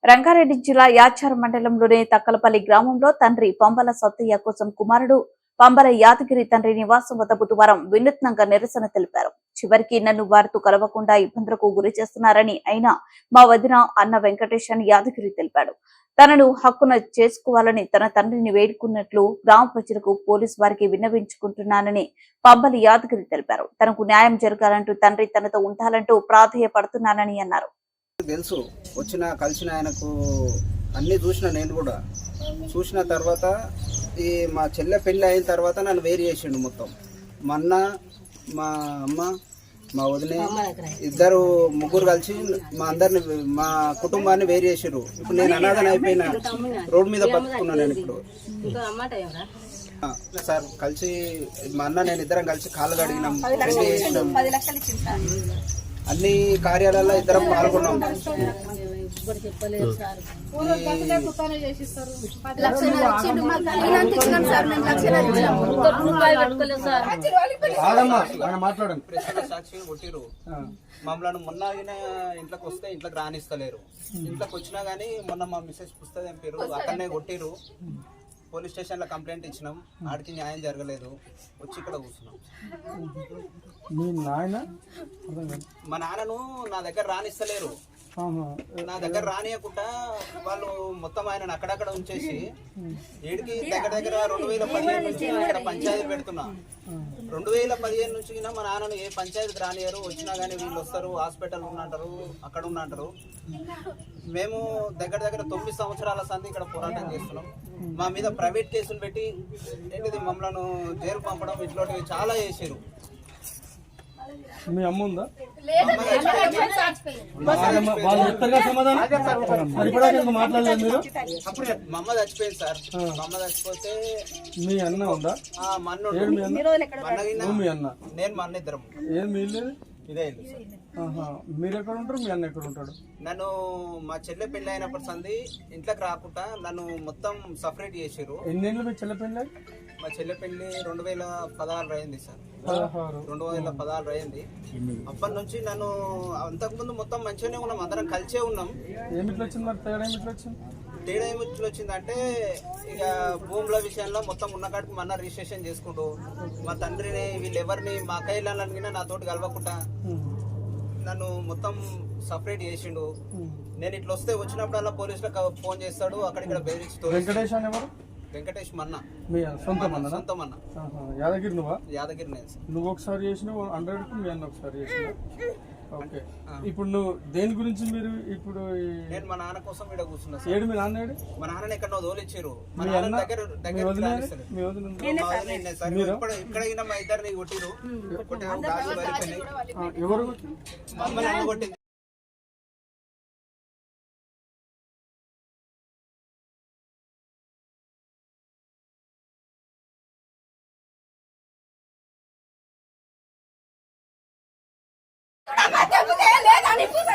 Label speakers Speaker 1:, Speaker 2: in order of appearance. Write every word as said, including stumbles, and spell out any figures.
Speaker 1: రంగారెడ్డి జిల్లా యాచారం మండలంలోని తక్కలపల్లి గ్రామంలో తండ్రి పంబల సత్తయ్య కోసం కుమారుడు పంబల యాదగిరి తండ్రి నివాసం వద్ద బుధవారం వినూత్నంగా నిరసన తెలిపారు. చివరికి నన్ను వారితో కలవకుండా ఇబ్బందులకు గురి చేస్తున్నారని, అయినా మా వదిన అన్న వెంకటేష్ అని యాదగిరి తెలిపాడు. తనను హక్కున చేసుకోవాలని తన తండ్రిని వేడుకున్నట్లు గ్రామ ప్రజలకు పోలీసు వారికి విన్నవించుకుంటున్నానని పంబలి యాదగిరి తెలిపారు. తనకు న్యాయం జరగాలంటూ తండ్రి తనతో ఉండాలంటూ ప్రాధేయపడుతున్నానని అన్నారు.
Speaker 2: తెలుసు వచ్చిన కలిసిన ఆయనకు అన్నీ చూసిన నేను కూడా చూసిన తర్వాత ఈ మా చెల్లె పెళ్ళి అయిన తర్వాత నన్ను వేరు చేసిండు మొత్తం. మా అన్న మా అమ్మ మా వదిన ఇద్దరు ముగ్గురు కలిసి మా అందరిని మా కుటుంబాన్ని వేరు చేసిర్రు. ఇప్పుడు నేను అనాథన అయిపోయిన రోడ్డు మీద బతుకున్నాను. నేను ఇప్పుడు సార్ కలిసి మా అన్న నేను ఇద్దరం కలిసి కాళ్ళు కడిగినాం, పెళ్లి చేసినాం, అన్ని కార్యాలయాల్లో ఇద్దరం పాల్గొన్నాం. సాక్షి కొట్టిరు మమ్మల్ని. మొన్న ఇంట్లోకి వస్తే ఇంట్లోకి రానిస్తలేరు. ఇంట్లోకి వచ్చినా గానీ మొన్న మా మిస్సెస్ పుస్తకం తెంపారు, అక్కడనే కొట్టిరు. పోలీస్ స్టేషన్లో కంప్లైంట్ ఇచ్చినాం, ఆడికి న్యాయం జరగలేదు. వచ్చి ఇక్కడ కూర్చున్నాం. మా నాన్నను నా దగ్గర రానిస్తలేరు. నా దగ్గర రానియకుండా వాళ్ళు మొత్తం ఆయన అక్కడక్కడ ఉంచేసి ఏడికి దగ్గర దగ్గర రెండు వేల పదిహేను నుంచి ఇక్కడ పంచాయతీ పెడుతున్నా. రెండు వేల పదిహేను నుంచి మా నాన్నను ఏ పంచాయతీకి రానియరు. వచ్చినా కానీ వీళ్ళు వస్తారు, హాస్పిటల్ ఉన్నంటారు, అక్కడ ఉన్నంటారు. మేము దగ్గర దగ్గర తొమ్మిది సంవత్సరాల సంది ఇక్కడ పోరాటం చేస్తున్నాం. మా మీద ప్రైవేట్ కేసులు పెట్టి ఏంటిది మమ్మల్ని జైలు పంపడం ఇట్లాంటివి చాలా చేసారు.
Speaker 3: మీ అమ్మ ఉందా? మాట్లాడలేదు మీరు?
Speaker 2: మా అమ్మ చచ్చిపోయింది సార్. మా అమ్మ చచ్చిపోతే
Speaker 3: మీ అన్న ఉందా?
Speaker 2: మా అన్న
Speaker 3: మీ అన్న
Speaker 2: నేను మా అన్న ఇద్దరం.
Speaker 3: ఏం మీ ఇల్లు?
Speaker 2: ఇదే ఇల్లు.
Speaker 3: మీరు ఎక్కడ ఉంటారు? మీ అన్న ఎక్కడ ఉంటాడు?
Speaker 2: నన్ను మా చెల్లె పెళ్లి అయినప్పటి సంది ఇంట్లోకి రాకుండా నన్ను మొత్తం సపరేట్ చేసారు.
Speaker 3: ఎన్నేళ్ళు మీ చెల్లె పెళ్ళి?
Speaker 2: మా చెల్లె పెళ్లి రెండు వేల పదహారు అయింది సార్. రెండు వేల పదహారు అయింది. అప్పటి నుంచి నన్ను అంతకుముందు మొత్తం మంచిగానే ఉన్నాం, అందరం కలిసే ఉన్నాం.
Speaker 3: ఏమిట్లో వచ్చింది మరి తేడా? ఏమిట్లో వచ్చింది?
Speaker 2: తేడా ఏమిట్లో వచ్చిందంటే ఇక భూముల విషయంలో మొత్తం ఉన్న కాడికి మన రిజిస్ట్రేషన్ చేసుకుంటూ మా తండ్రిని వీళ్ళు ఎవరిని మా కైలాలని నాతోటి కలవకుండా నన్ను మొత్తం సపరేట్ చేసిండు. నేను ఇట్లా వస్తే వచ్చినప్పుడల్లా పోలీసులకు ఫోన్ చేస్తాడు, అక్కడిక్కడ బెదిరిస్తూ.
Speaker 3: వెంకటేష్ అనేవారు?
Speaker 2: వెంకటేష్ మన్న
Speaker 3: సొంతం అన్న.
Speaker 2: సొంతం అన్న.
Speaker 3: యాదగిరి నువ్వా?
Speaker 2: యాదగిరి నేను.
Speaker 3: నువ్వు ఒకసారి చేసినావు హండ్రెడ్ కు, మీ అన్న ఒకసారి చేసిన. ఓకే, ఇప్పుడు నువ్వు దేని గురించి మీరు ఇప్పుడు?
Speaker 2: నేను మా నాన్న కోసం ఇక్కడ కూర్చున్నా.
Speaker 3: ఏడు మీ నాన్న ఏడు?
Speaker 2: మా నాన్న ఎక్కడ తోలిచ్చారు. మా నాన్న దగ్గర దగ్గర ఇక్కడ మా ఇద్దరిని కొట్టిరు.
Speaker 3: ఎవరు
Speaker 2: మమ్మల్ని అన్న కొట్టింది.
Speaker 4: లేదని